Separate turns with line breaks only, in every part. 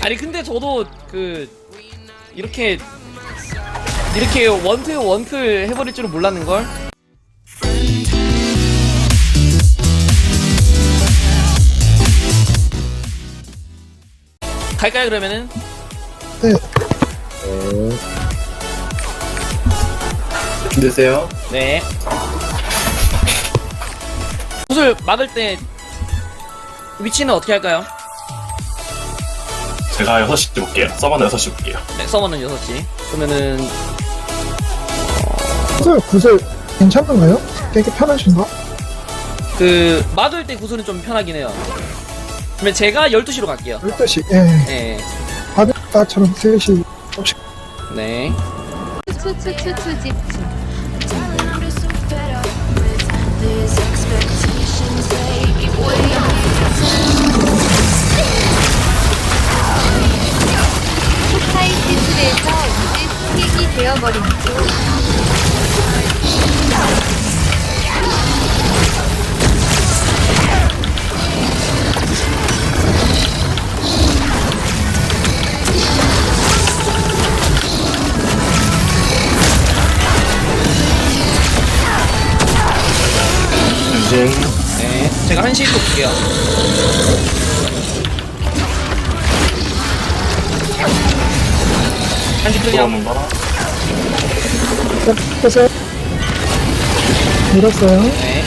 아니 근데 저도 그 이렇게 원클 해버릴 줄은 몰랐는걸? 갈까요 그러면은?
네.
힘드세요?
네. 구슬 막을 때 위치는 어떻게 할까요?
제가 6시 볼게요. 서버는 6시 볼게요.
네, 서버는 6시. 그러면은
구슬 괜찮은가요? 되게 편하신가?
그 막을 때 구슬은 좀 편하긴 해요. 그러면 제가 12시로 갈게요.
12시, 예.
네.
바닷가처럼 3시. 혹시
네.
추추추추 집중. 스카이시술에서 이제 스틱이 되어버린
유진.
네. 제가 1시로 볼게요. 한시 클리어.
들어오는 거.
뺐어요? 밀었어요?
네.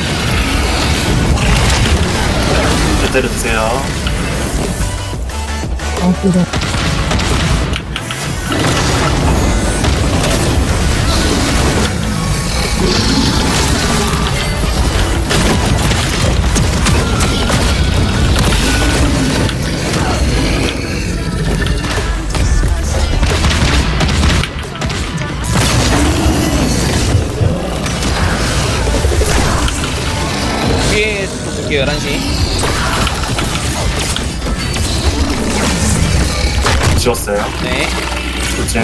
제대로 드세요.
그래.
뒤에 또 볼게요. 11시.
지웠어요.
네.
유진.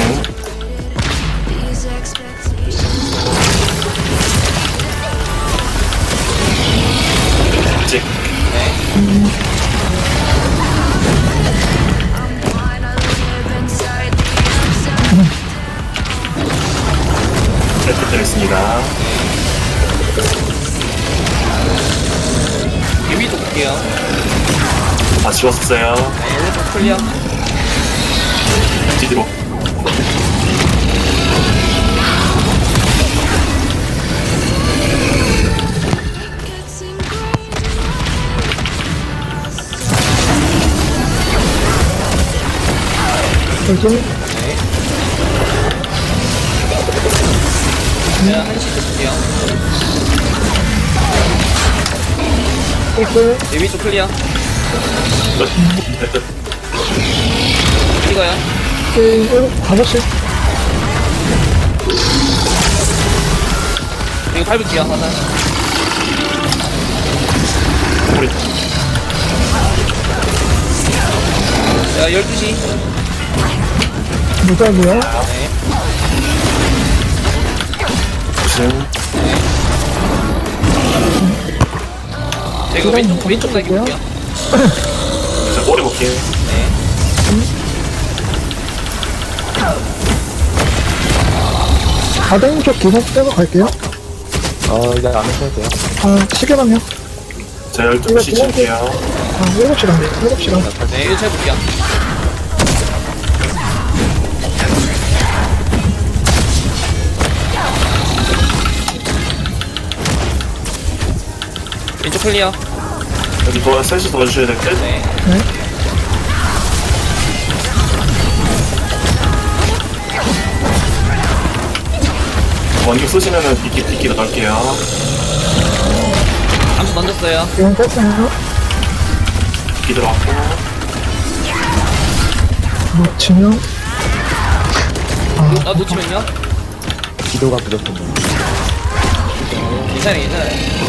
찍.
네.
네, 부탁드리겠습니다.
위도 볼게요.
다 지웠어요.
네. 오른쪽 클리어.
뒤로.
결정?
네. 제가 1시 쪽 볼게요.
뺐어요?
네. 위쪽 클리어.
끝. 네, 끝.
이거요.
5시.
이거 밟을게요. 하나.
우리
자, 12시.
무작이요?
네.
유진.
제가 왼쪽 날개 볼게요.
자, 꼬리 볼게요.
네.
가댕 쪽 기본 빼고 갈게요.
이제 안 하셔도 돼요.
시계만요.
자, 12시 칠게요.
7시간. 7시간.
네, 이거 제가 볼게요. 왼쪽 클리어.
여기 셋이 도와주셔야 될 듯.
네.
네.
원격 쓰시면은 빗기도 넣을게요.
암수 던졌어요.
이건 뺐어요.
빗기 들어갔고.
놓치면.
놓치면요?
기도가 부족합니다.
괜찮아요.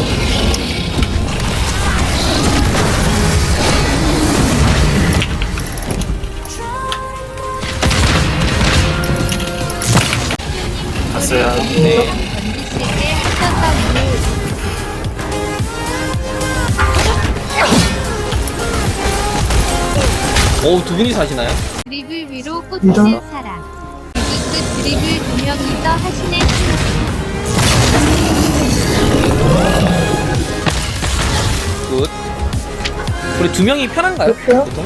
갔어요.
네.
MBC에게 하셨다니.
오, 두 분이 사시나요?
드리블 위로
이런.
꽂히는 사람. 그 드리블 두 명이서 하시네.
굿. 우리 두 명이 편한가요?
할게요.
보통?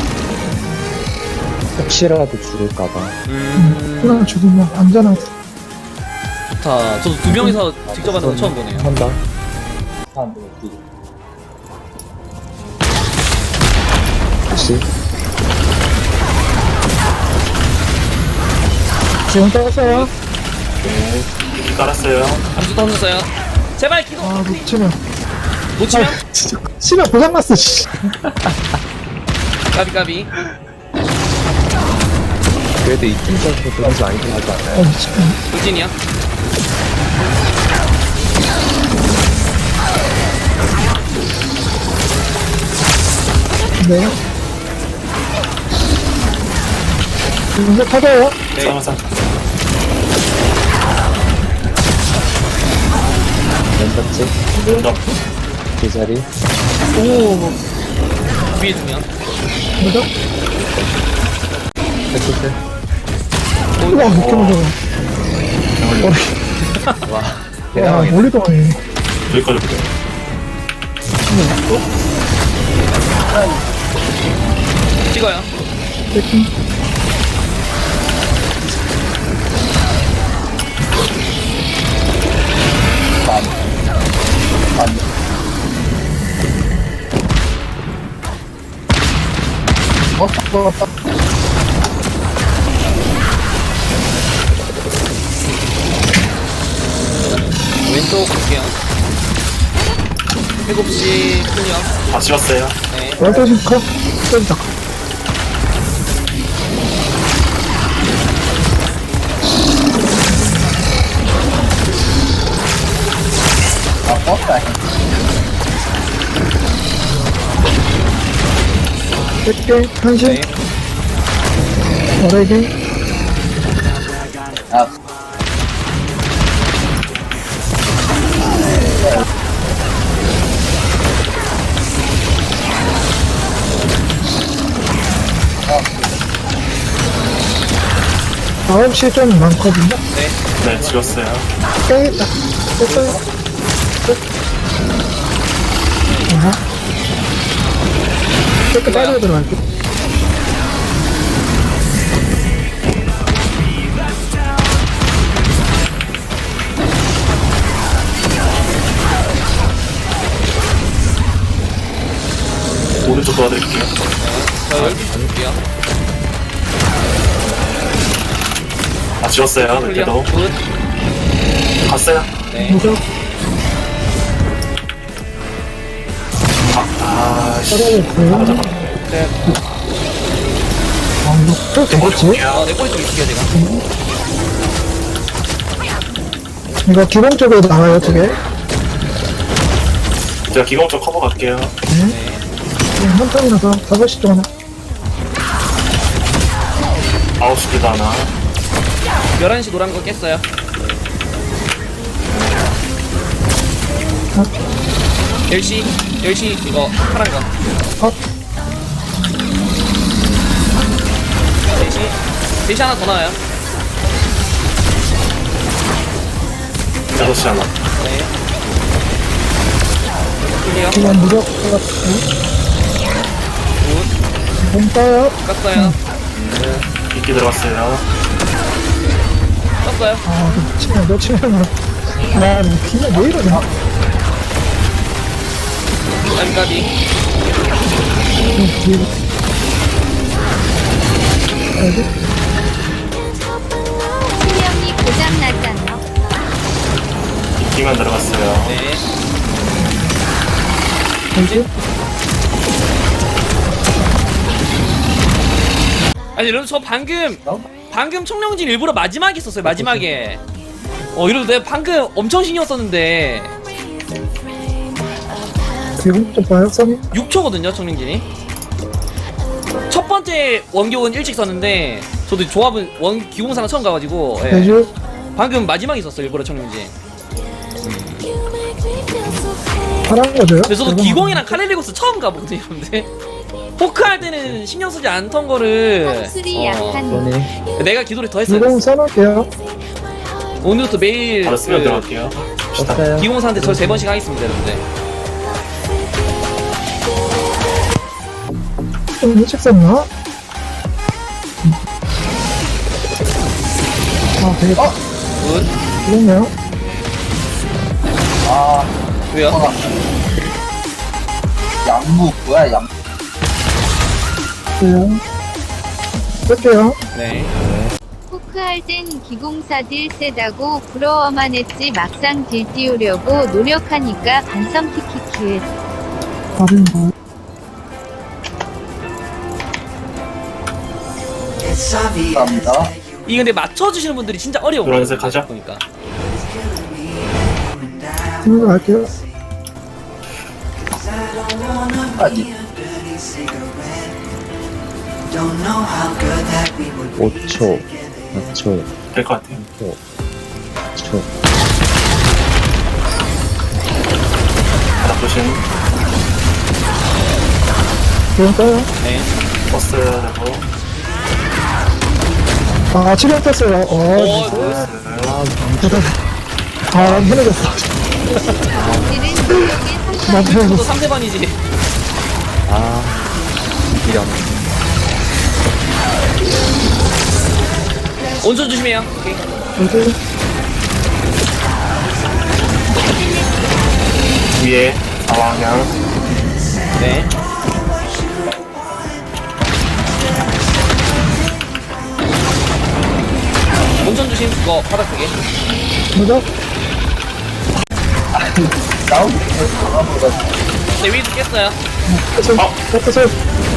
혹시라도 죽을까봐.
그냥 죽으면 안전하고.
좋다. 저도 두 명이서 직접 하는 건 처음 보네요.
한다. 혹시
지금 떴어요.
깔았어요.
암수 던졌어요. 제발 기도.
아, 놓치면.
놓치면
진짜. 씨발, 고장났어, 씨.
까비 까비.
그래도 이쯤에서 돈이 많이 들어가지 않아요?
미치겠네.
돌진이야.
네. 이제 터져요.
네.
싸움사.
왼번째
먼저.
제자리.
오,
위에 두 명.
뭐죠?
백스트.
우와, 이렇게 무서워.
와.
와,
대단하겠다.
멀리 도네.
여기까지 볼게요.
찍어요.
백킹. 왔다.
왼쪽 볼게요. 7시 클리어.
다 지웠어요.
네.
월드신 커? 쏜다. 백개, 한신,
네.
어레게, 아홉 시 좀 많거든요.
네.
네, 지웠어요.
깨겠다. 됐어요. 끝. 아하. 깨끗 빠르게 들어갈게.
오른쪽 도와드릴게요.
저 12시 볼게요.
다 지웠어요.
클리어.
그때도.
굿.
갔어요.
네.
무적,
씨.
빠르게 보여.
네.
아, 이거 또 되겠지?
내 꼬리 좀 익히게요, 제가.
이거 기본적으로 나와요, 두 개.
제가 기공적 커버 갈게요.
네.
한 턴이라서 5시 쪽 하나.
9시 기도 하나.
11시 노란 거 깼어요.
어?
10시 이거 파란 거.
어?
4시 하나 더 나와요.
6시 하나.
네. 클리어.
이건 무적 해가지고.
굿.
몸 따요.
깠어요.
이끼 들어갔어요.
깠어요.
아, 놓치면. 아, 그냥 왜 이러냐.
까비.
뒤에. 어디?
수명이 고장났잖아.
이끼만 들어갔어요.
네.
어디?
아니 여러분 저 방금 청룡진 일부러 마지막에 썼어요. 마지막에. 이러도 내가 방금 엄청 신경 썼는데
기분 좀 봐요, 썸이?
6초거든요 청룡진이. 첫 번째 원격은 일찍 썼는데 저도 조합은 기공사는 처음 가가지고 예.
대주.
방금 마지막에 썼어요 일부러 청룡진.
파란 거죠?
근데 저도 기공이랑 카렐리고스 처음 가보거든요 근데 포크 할 때는 신경 쓰지 않던 거를
성술이 약한
이번에
내가 기도를 더 했어요.
기공 써놓을게요.
오늘부터 매일
바로 쓰면 들어갈게요. 갑시다.
썼어요.
기공사한테 저 3번씩 하겠습니다, 여러분들.
좀 일찍 썼나? 아, 되겠다.
굿.
기공이요.
왜요?
양무 뭐야 양
네. 쓸게요.
네.
포크할 땐 기공사들 세다고 부러워만 했지 막상 딜 띄우려고 노력하니까 반성 키키키.
다른 거.
감사합니다.
이 근데 맞춰주시는 분들이 진짜 어려워.
노란색 가자.
보니까.
들고 갈게요.
아니
5초, 4초,
될 것 같아요.
5초.
바닥 조심.
기공 떠요.
네.
버스야 되고.
아, 치료 떴어요.
오, 굿.
대단. 아, 해내겠어.
딜은 노력에
난
상관.
또
해내겠어.
3세번이지.
아, 이런.
온전 조심해요. 오케이.
뭐지?
위에 사방향.
네. 온전 조심. 그거 바닥 크게.
뭐죠?
나온
네, 위에도 깼어요.
끝을, 끝을.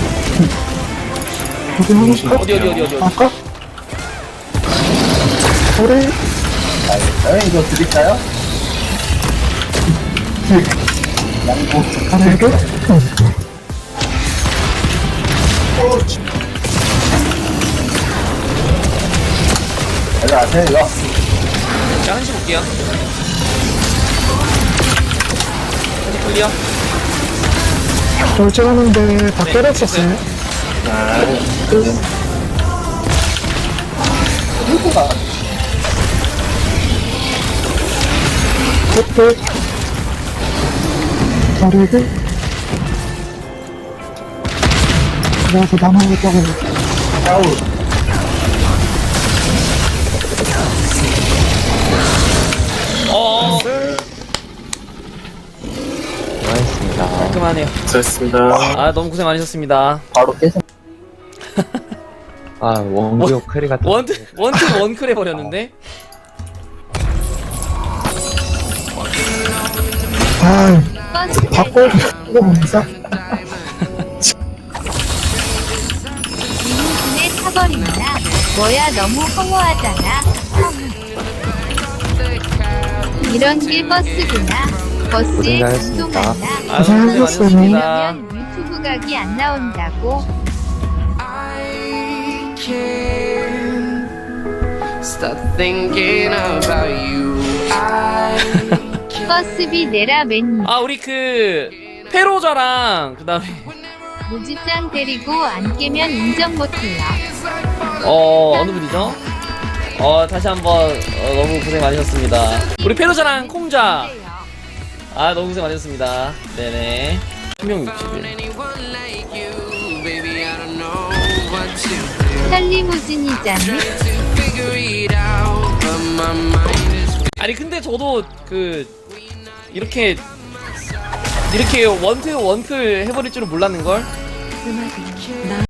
어디 하나?
어디.
아까? 우리,
이거 드릴까요? 양보
가래도?
여기 아세요 이거?
자, 한시 볼게요. 한시 클리어.
결정하는데 다
네,
때렸었어요.
네.
누구가
끝. 가래도? 그래서 남아있다고.
아우
고맙습니다.
깔끔하네요.
수고했습니다.
아, 너무 고생 많으셨습니다.
바로 깨서
아, 원기호 크리 같은.
원트 원클 해버렸는데?
아,
버스
바꿔. 이거 뭡니까?
리무진에 타버린다. 뭐야 너무 허무하잖아. 이런 게 버스구나. 버스에
고생하셨습니다.
감동 많나.
아, 너무 고생 많으셨습니다.
그러면 유튜브 각이 안 나온다고.
Stop thinking about you.
버스비 내라 맨.
아, 우리 그 페로자랑 그다음에
무지짱 데리고 안 깨면 인정 못해요.
어느 분이죠? 다시 한번 너무 고생 많으셨습니다. 우리 페로자랑 콩자. 아, 너무 고생 많으셨습니다. 네네. 신명 60일.
Anyone like you, baby, I don't know what to do
살리무진이잖니.
to figure it out, but my mind is
아니 근데 저도 그 이렇게 원클 해버릴 줄은 몰랐는 걸.